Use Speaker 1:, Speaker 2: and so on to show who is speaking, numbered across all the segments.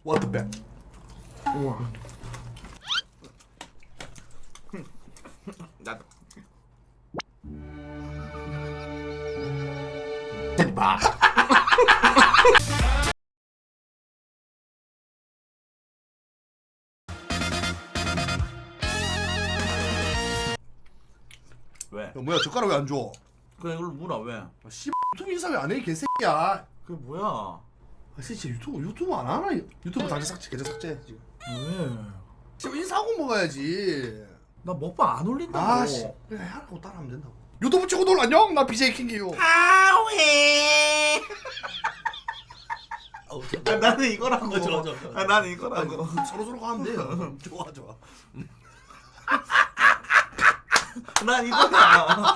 Speaker 1: What the bet?
Speaker 2: 우와.
Speaker 3: 나도.
Speaker 1: 봐.
Speaker 3: 왜?
Speaker 1: 야, 뭐야 젓가락 왜 안 줘?
Speaker 3: 그래 이걸 물어 왜?
Speaker 1: 씨 유튜브 인사 왜 안 해? 개새끼야.
Speaker 3: 그게 뭐야?
Speaker 1: 아 진짜 유튜브 안 하나? 유튜브 당장 삭제 계정 삭제 지금.
Speaker 3: 왜?
Speaker 1: 지금 인사하고 먹어야지.
Speaker 3: 나 먹방 안 올린다고.
Speaker 1: 아씨 그냥 하라고 따라하면 된다고. 유튜브 치고 놀 안녕. 나 BJ 킹기요.
Speaker 3: 하회. 아, 나는 이거라고.
Speaker 1: 좋아.
Speaker 3: 아, 나는 이거라고.
Speaker 1: 서로 가면 돼요. 좋아.
Speaker 3: 난 이거야.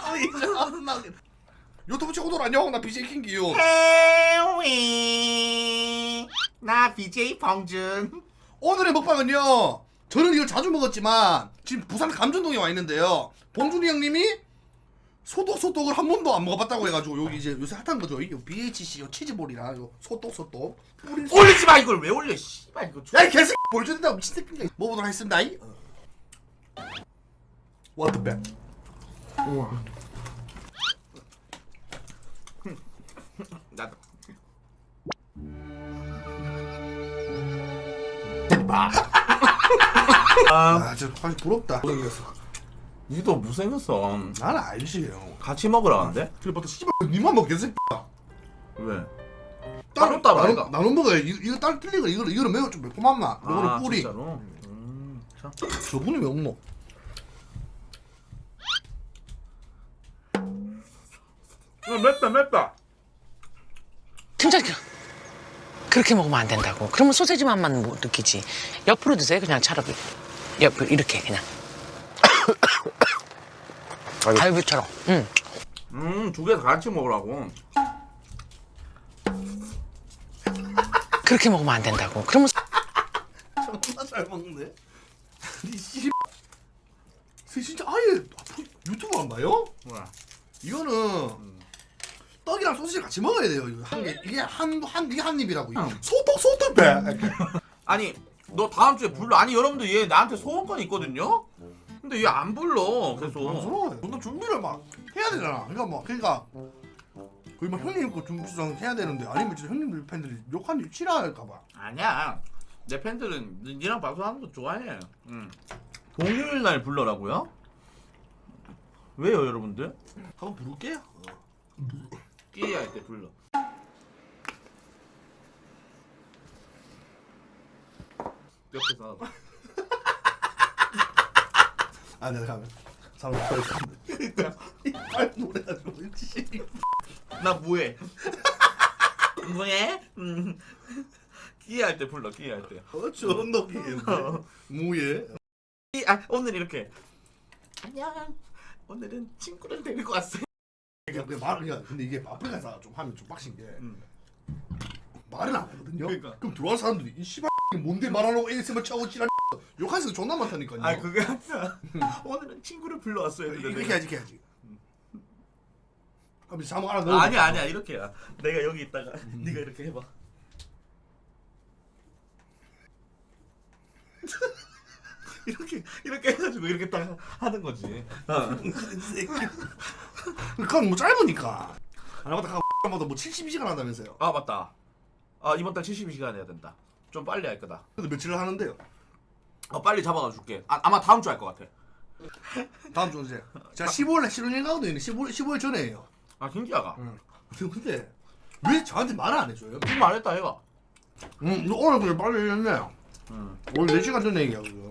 Speaker 1: 유튜브 치고 놀 안녕. 나 BJ 킹기요.
Speaker 3: 해외. 나 BJ 봉준.
Speaker 1: 오늘의 먹방은요. 저는 이걸 자주 먹었지만 지금 부산 감전동에 와 있는데요. 봉준이 형님이 소떡을 한 번도 안 먹어봤다고 해가지고 여기 이제 요새 핫한 거죠. 이게 BHC 요 치즈볼이랑 요 소떡.
Speaker 3: 올리지 마 이걸 왜 올려? 씨발 이거.
Speaker 1: 야이 개새끼 보여준다고 미친 새끼가. 먹어보도록 하겠습니다. What the bet?
Speaker 2: 우와.
Speaker 3: 나도.
Speaker 1: 봐. 아, 저 사실 부럽다. 못생겼어.
Speaker 3: 니도 못생겼어.
Speaker 1: 나는 알지 형.
Speaker 3: 같이 먹으라는데?
Speaker 1: 그래부터 씨발 니만 먹 개새끼야.
Speaker 3: 왜?
Speaker 1: 따로
Speaker 3: 따로 말이가.
Speaker 1: 나눠 먹어야 이거 따로 틀린 거 이거는 매우 좀 매콤한 맛. 이거는 뿌리.
Speaker 3: 진짜로? 자.
Speaker 1: 저분이 왜 먹노?
Speaker 3: 맵다.
Speaker 4: 진짜 그렇게 먹으면 안 된다고. 그러면 소세지 맛만 못 느끼지. 옆으로 드세요. 그냥 차라리 옆으로 이렇게 그냥. 갈비처럼. 응.
Speaker 3: 두 개 다 같이 먹으라고.
Speaker 4: 그렇게 먹으면 안 된다고. 그러면
Speaker 1: 존나 잘 먹네. 이 씨. 진짜 아예 앞으로 유튜브 안 봐요?
Speaker 3: 뭐야?
Speaker 1: 이거는 떡이랑 소시지 같이 먹어야 돼요. 이거 한 개, 이게 한 입이라고.
Speaker 3: 응.
Speaker 1: 소떡 배.
Speaker 3: 아니 너 다음 주에 불러. 아니 여러분들 얘 나한테 소원권 있거든요. 근데 얘 안 불러. 그래서
Speaker 1: 부러워요. 너 준비를 막 해야 되잖아. 그러니까 거의 막 형님 거 준비성 해야 되는데 아니면 진짜 형님들 팬들이 욕하는 싫어할까봐.
Speaker 3: 아니야. 내 팬들은 니랑 방송하는 거 좋아해. 응. 동요일 날 불러라고요? 왜요 여러분들?
Speaker 1: 한번 부를게요.
Speaker 3: 끼야 할 때 불러. 옆에서
Speaker 1: 아 내가 가면 사람 터졌는데. 이빨 노래가지고 씨.
Speaker 3: 나 뭐해? 뭐해? 끼야 할 때 불러. 끼야 할 때.
Speaker 1: 저런 놈이에요. 뭐예?
Speaker 3: 오늘 이렇게 안녕. 오늘은 친구를 데리고 왔어요.
Speaker 1: 근데 이게 아프리카에서 좀 하면 좀 빡신 게 말은 안 하거든요.
Speaker 3: 그러니까.
Speaker 1: 그럼 들어온 사람들이 이 씨발 뭔데 말하려고 ASMR 차고 지랄 욕할 수가 존나 많다니까요.
Speaker 3: 아 그게 아니라 오늘은 친구를 불러왔어요.
Speaker 1: 이렇게 해야지. 그럼 이제 자막 하나 넣어.
Speaker 3: 아니야 이렇게 해야. 내가 여기 있다가 네가 이렇게 해봐. 이렇게 해가지고 이렇게 딱 하는 거지.
Speaker 1: 그건 뭐 짧으니까. 하나마다 뭐 72시간 한다면서요.
Speaker 3: 아 맞다. 아 이번 달 72시간 해야 된다. 좀 빨리 할 거다.
Speaker 1: 근데 며칠을 하는데요?
Speaker 3: 빨리 잡아가 줄게. 아마 다음 주 할 것 같아.
Speaker 1: 다음 주 이제 제가 15일에 신혼여행 가거든요. 15일 전에 해요.
Speaker 3: 아 김기아가.
Speaker 1: 근데 왜 저한테 말을 안 해줘요?
Speaker 3: 지금 말했다 얘가.
Speaker 1: 오늘 그냥 빨리 했네. 오늘 4시간 전에 얘기하고.